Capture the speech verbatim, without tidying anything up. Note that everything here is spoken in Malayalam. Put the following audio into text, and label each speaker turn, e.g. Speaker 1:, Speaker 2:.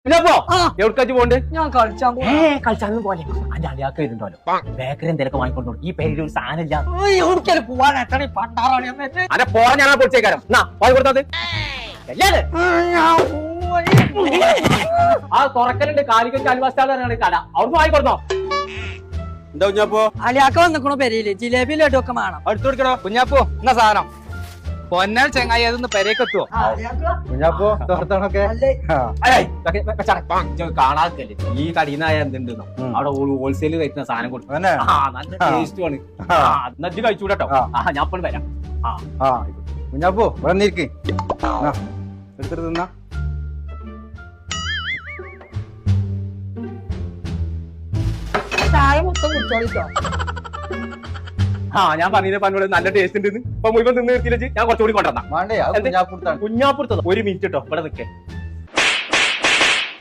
Speaker 1: എവിടേക്കാച്ച് പോണ്ട്?
Speaker 2: ഞാൻ കളിച്ചാൻ
Speaker 1: ഏ കളിച്ചാലും പോലെ അന്റെ അളിയാക്ക വരുന്നുണ്ടല്ലോ ബേക്കറി എന്തൊക്കെ വാങ്ങിക്കൊണ്ടു. ഈ പേരിൽ ഒരു സാധനം ഇല്ല.
Speaker 2: എവിടേക്കാലും പോവാൻ എത്ര പണ്ടാറാണ്
Speaker 1: അതെ പോരാ ഞാൻ പൊടിച്ചേക്കാരം എന്നാ വാങ്ങി കൊടുത്തത് ആ തുറക്കലുണ്ട് കാലിക്കറ്റ് അൽവാസ്റ്റാണ് കട അവിടുന്ന് വാങ്ങിക്കൊടുത്തോ.
Speaker 3: എന്താ കുഞ്ഞാപ്പോ
Speaker 2: അലിയാക്ക വന്നിക്കണോ പെരയില് ജിലേബി ലഡു ഒക്കെ വേണം.
Speaker 3: അടുത്ത് കൊടുക്കണോ കുഞ്ഞാപ്പോ എന്നാ സാധനം പൊന്നാൽ ചെങ്ങായി അതൊന്ന് പെരേക്കെത്തുവോ കുഞ്ഞാപ്പോ തോർത്തണൊക്കെ
Speaker 1: കാണാക്കല്ലേ ഈ കടീന്നായ എന്തുണ്ടെന്നോ അവിടെ ഹോൾസെയിൽ കഴിക്കുന്ന സാധനം കൊടുക്കും. നല്ല ടേസ്റ്റ് ആണ്. നജ്ജ് കഴിച്ചൂടട്ടോ. ആ ഞാൻ ഇപ്പോൾ വരാം.
Speaker 3: ആ കുഞ്ഞാപ്പോ വന്നിരിക്കേ എടുത്തിട്ട് തിന്നാ.
Speaker 2: ചായ മൊത്തം കുടിച്ചോളിട്ടോ.
Speaker 1: ആ ഞാൻ പറഞ്ഞില്ലേ പന്നോട് നല്ല ടേസ്റ്റ് ഉണ്ട്. ഇപ്പൊ മുഴുവൻ നിന്ന് നിർത്തിയില്ലേ ഞാൻ കുറച്ചുകൂടി കൊണ്ടുവന്നാ.
Speaker 3: വേണ്ടേ കുഞ്ഞാപ്പുറത്താണ്.
Speaker 1: കുഞ്ഞാപ്പുറത്തോ ഒരു മിനിറ്റ് കേട്ടോ ഇവിടെ നിൽക്കേ.